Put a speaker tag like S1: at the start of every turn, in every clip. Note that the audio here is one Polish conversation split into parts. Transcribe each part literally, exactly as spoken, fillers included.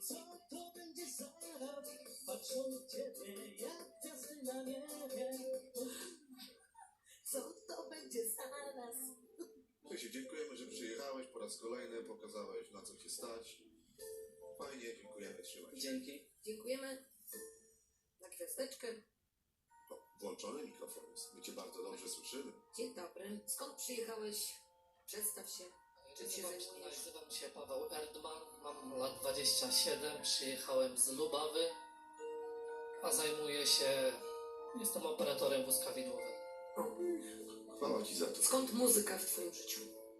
S1: Co to będzie zaraz? Patrzą na ciebie jak gwiazdy na niebie. Co to będzie zaraz?
S2: Cześć, dziękujemy, że przyjechałeś po raz kolejny, pokazałeś, na co cię stać. Fajnie, dziękujemy, trzymaj się.
S3: Dzięki.
S4: Dziękujemy za gwiazdeczkę.
S2: O, włączony mikrofon jest, my cię bardzo dobrze słyszymy.
S4: Dzień dobry. Skąd przyjechałeś? Przedstaw się. Czym się
S3: Nazywam,
S4: zajmujesz?
S3: nazywam się Paweł Erdman, mam lat dwadzieścia siedem, przyjechałem z Lubawy, a zajmuję się, jestem operatorem wózka widłowego.
S2: Chwała ci za to.
S4: Skąd muzyka w twoim życiu?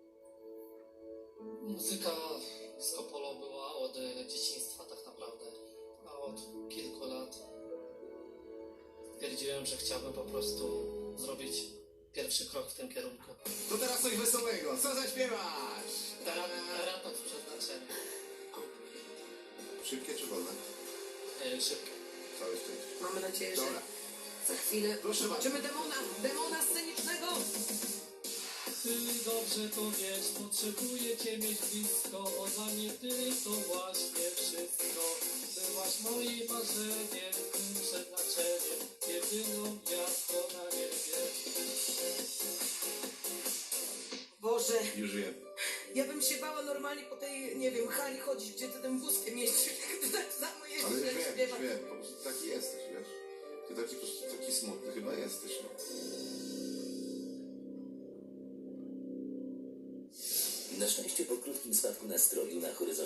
S3: Muzyka z Kopolo była od dzieciństwa tak naprawdę, a od kilku lat stwierdziłem, że chciałbym po prostu zrobić pierwszy krok w tym kierunku.
S5: To teraz coś wesołego, co zaśpiewasz?
S3: Ratak z przeznaczeniem.
S2: Szybkie czy wolne?
S3: E, Szybko.
S2: Całe szczęście.
S4: Mamy nadzieję, że
S5: Dobra.
S4: za chwilę
S5: Proszę
S4: zobaczymy demona, demona scenicznego.
S3: Ty dobrze to wiesz, potrzebuję cię mieć blisko, bo dla mnie ty to właśnie wszystko. Byłaś moim marzeniem, tym przeznaczeniem, jedyną gwiazdą na niebie.
S4: Boże,
S2: Już wiem.
S4: ja bym się bała normalnie po tej, nie wiem, hali chodzić, gdzie ty tym wózkiem jeździsz. Tak samo
S2: Ale
S4: jeździsz,
S2: już
S4: jak
S2: wiem, już
S4: śpiewasz.
S2: wiem, po prostu taki jesteś, wiesz. Ty taki, po prostu taki smutny chyba jesteś, no.
S6: Na szczęście po krótkim spadku nastroju na horyzoncie